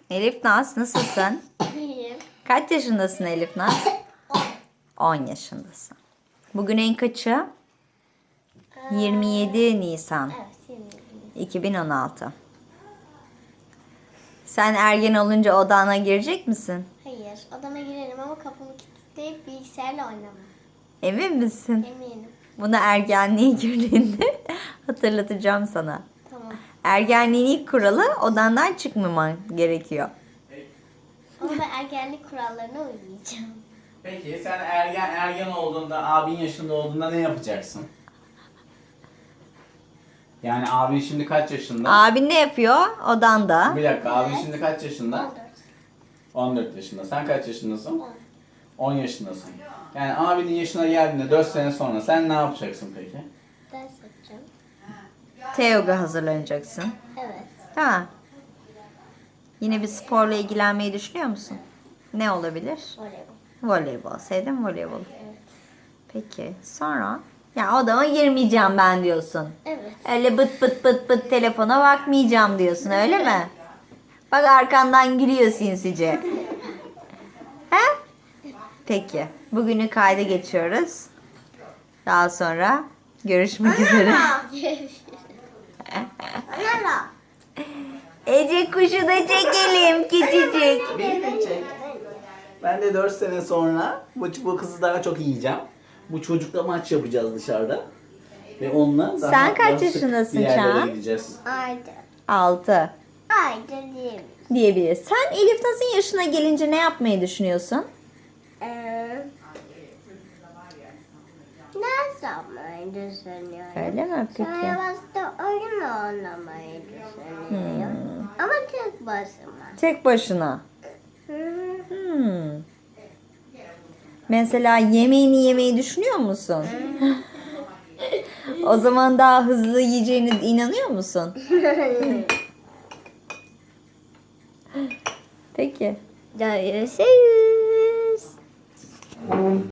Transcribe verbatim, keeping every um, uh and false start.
Elif Naz, nasılsın? İyiyim. Kaç yaşındasın Elif Naz? on yaşındasın. Bugün en kaçı? yirmi yedi Nisan Evet, yirmi yedi. iki bin on altı. Sen ergen olunca odana girecek misin? Hayır, odama girerim ama kapımı kilitleyip bilgisayarla oynamam. Emin misin? Eminim. Bunu ergenliğe girdiğinde hatırlatacağım sana. Tamam. Ergenliğin ilk kuralı odandan çıkmaman gerekiyor. Ama ben ergenlik kurallarına uymayacağım. Peki sen ergen ergen olduğunda, abin yaşında olduğunda ne yapacaksın? Yani abin şimdi kaç yaşında? Abin ne yapıyor odanda? Bir dakika, abin Evet. şimdi kaç yaşında? on dört. on dört yaşında. Sen kaç yaşındasın? on yaşındasın. Yani abinin yaşına geldiğinde dört sene sonra sen ne yapacaksın peki? Ders yapacağım. Teoga hazırlanacaksın. Evet. Ha. Yine bir sporla ilgilenmeyi düşünüyor musun? Ne olabilir? Voleybol. Voleybol. Sevdin mi voleybolu? Evet. Peki. Sonra? Ya odama girmeyeceğim ben diyorsun. Evet. Öyle bıt bıt bıt bıt telefona bakmayacağım diyorsun, öyle mi? Bak arkandan gülüyor sinsice. He? Peki. Bugünü kayda geçiyoruz. Daha sonra görüşmek üzere. Anara. Ece kuşu da çekelim küçücük. Beni de çek. Ben de dört sene sonra bu, bu kızı daha çok yiyeceğim. Bu çocukla maç yapacağız dışarıda. Ve onunla daha Sen kaç daha sık yaşındasın bir yerlere Çağan? gideceğiz. Ayda. Altı Ayda diyeyim. diyebiliriz. Sen Elif Naz'ın yaşına gelince ne yapmayı düşünüyorsun? Ee, ne zamayı düşünüyorum? Öyle mi peki? Savaşta oyun oynamayı düşünüyorum. Ama tek başıma. Tek başına. Hı hı. Hmm. Mesela yemeğini yemeyi düşünüyor musun? O zaman daha hızlı yiyeceğine inanıyor musun? Peki. Görüşürüz.